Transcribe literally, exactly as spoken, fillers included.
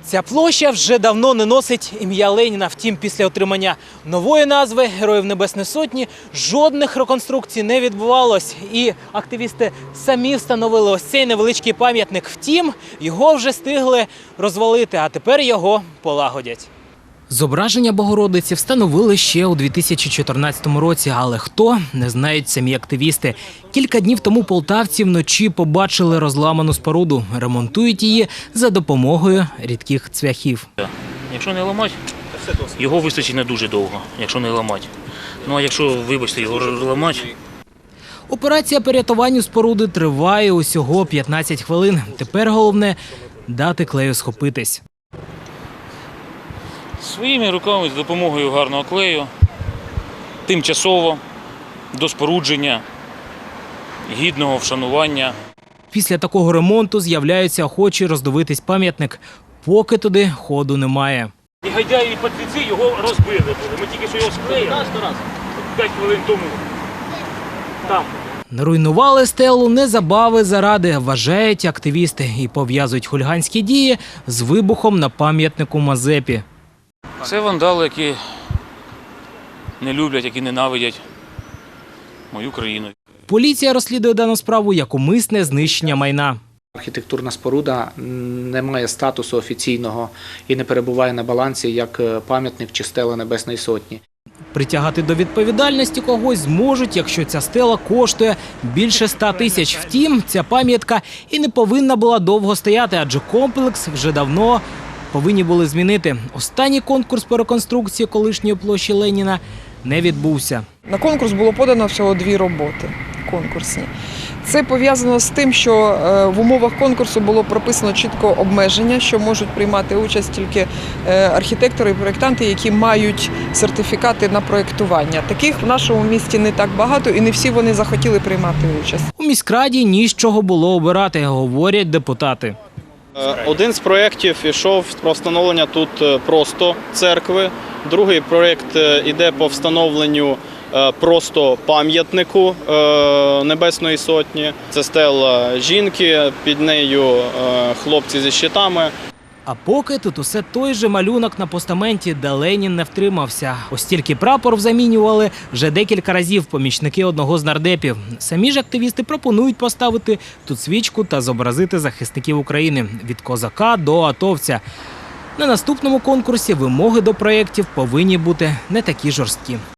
Ця площа вже давно не носить ім'я Леніна. Втім, після отримання нової назви Героїв Небесної Сотні жодних реконструкцій не відбувалось. І активісти самі встановили ось цей невеличкий пам'ятник. Втім, його вже встигли розвалити, а тепер його полагодять. Зображення Богородиці встановили ще у дві тисячі чотирнадцятому році, але хто – не знають самі активісти. Кілька днів тому полтавці вночі побачили розламану споруду. Ремонтують її за допомогою рідких цвяхів. Якщо не ламати, його вистачить не дуже довго, якщо не ламати. Ну а якщо, вибачте, його ламати… Операція по рятуванню споруди триває усього п'ятнадцять хвилин. Тепер головне – дати клею схопитись. Своїми руками, з допомогою гарного клею, тимчасово, до спорудження, гідного вшанування. Після такого ремонту з'являються охочі роздивитись пам'ятник, поки туди ходу немає. Негодяї і патріці його розбили були. Ми тільки що його склеїли п'ять хвилин тому. Там. Руйнували стелу незабави заради, вважають активісти, і пов'язують хуліганські дії з вибухом на пам'ятнику Мазепі. Це вандали, які не люблять, які ненавидять мою країну. Поліція розслідує дану справу як умисне знищення майна. Архітектурна споруда не має статусу офіційного і не перебуває на балансі як пам'ятник чи стела Небесної Сотні. Притягати до відповідальності когось зможуть, якщо ця стела коштує більше ста тисяч. Втім, ця пам'ятка і не повинна була довго стояти, адже комплекс вже давно повинні були змінити. Останній конкурс по реконструкції колишньої площі Леніна не відбувся. На конкурс було подано всього дві роботи конкурсні. Це пов'язано з тим, що в умовах конкурсу було прописано чітко обмеження, що можуть приймати участь тільки архітектори і проєктанти, які мають сертифікати на проєктування. Таких в нашому місті не так багато і не всі вони захотіли приймати участь. У міськраді ні з чого було обирати, говорять депутати. Один з проєктів йшов про встановлення тут просто церкви, другий проєкт йде по встановленню просто пам'ятнику Небесної Сотні. Це стела жінки, під нею хлопці зі щитами. А поки тут усе той же малюнок на постаменті, де Ленін не втримався. Ось тільки прапор замінювали вже декілька разів помічники одного з нардепів. Самі ж активісти пропонують поставити тут свічку та зобразити захисників України – від козака до атовця. На наступному конкурсі вимоги до проєктів повинні бути не такі жорсткі.